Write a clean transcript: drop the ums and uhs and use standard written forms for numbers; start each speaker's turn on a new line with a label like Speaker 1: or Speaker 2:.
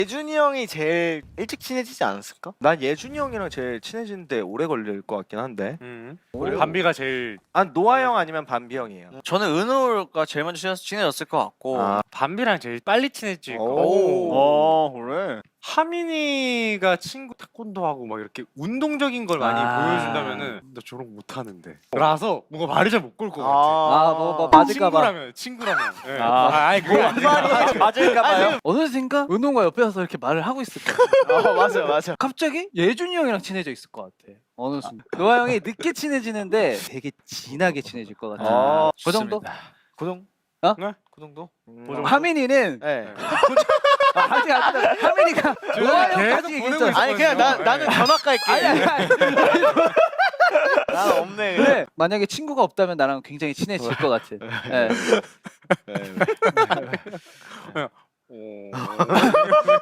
Speaker 1: 예준이 형이 제일 일찍 친해지지 않았을까? 난 예준이 형이랑 제일 친해지는데 오래 걸릴 것 같긴 한데.
Speaker 2: 우리 반비가 제일
Speaker 1: 노아 형 아니면 반비 형이에요.
Speaker 3: 저는 은호가 제일 먼저 친해졌을 것 같고.
Speaker 2: 반비랑 제일 빨리 친해질 것 같아.
Speaker 1: 오.
Speaker 3: 그래.
Speaker 2: 하민이가 친구 태권도하고 막 이렇게 운동적인 걸 많이 보여준다면은 나 저런 거 못하는데. 그래서 뭔가 말을 잘 못 걸 것 같아.
Speaker 4: 뭐 맞을까봐.
Speaker 2: 친구라면. 예.
Speaker 4: 아.
Speaker 2: 그게 아니라.
Speaker 1: 맞을까봐요?
Speaker 4: 어느샌가 은호가 옆에 와서 이렇게 말을 하고 있을 거야.
Speaker 1: 맞아.
Speaker 4: 갑자기 예준이 형이랑 친해져 있을 것 같아. 어느 순간. 노아 형이 늦게 친해지는데 되게 진하게 친해질 것 같아. 그 정도?
Speaker 1: 그 정도?
Speaker 4: 어?
Speaker 2: 네?
Speaker 1: 그 정도?
Speaker 4: 하민이는
Speaker 1: 네.
Speaker 4: 아직 안 끝나. 하민이가 노아
Speaker 2: 계속
Speaker 4: 형까지
Speaker 2: 보내고
Speaker 4: 얘기했잖아.
Speaker 1: 아니 그냥 나는 전학 갈게.
Speaker 4: 아니.
Speaker 1: 난 없네.
Speaker 4: 근데 만약에 친구가 없다면 나랑 굉장히 친해질 것 같아. 예.
Speaker 1: 그래.
Speaker 2: 오.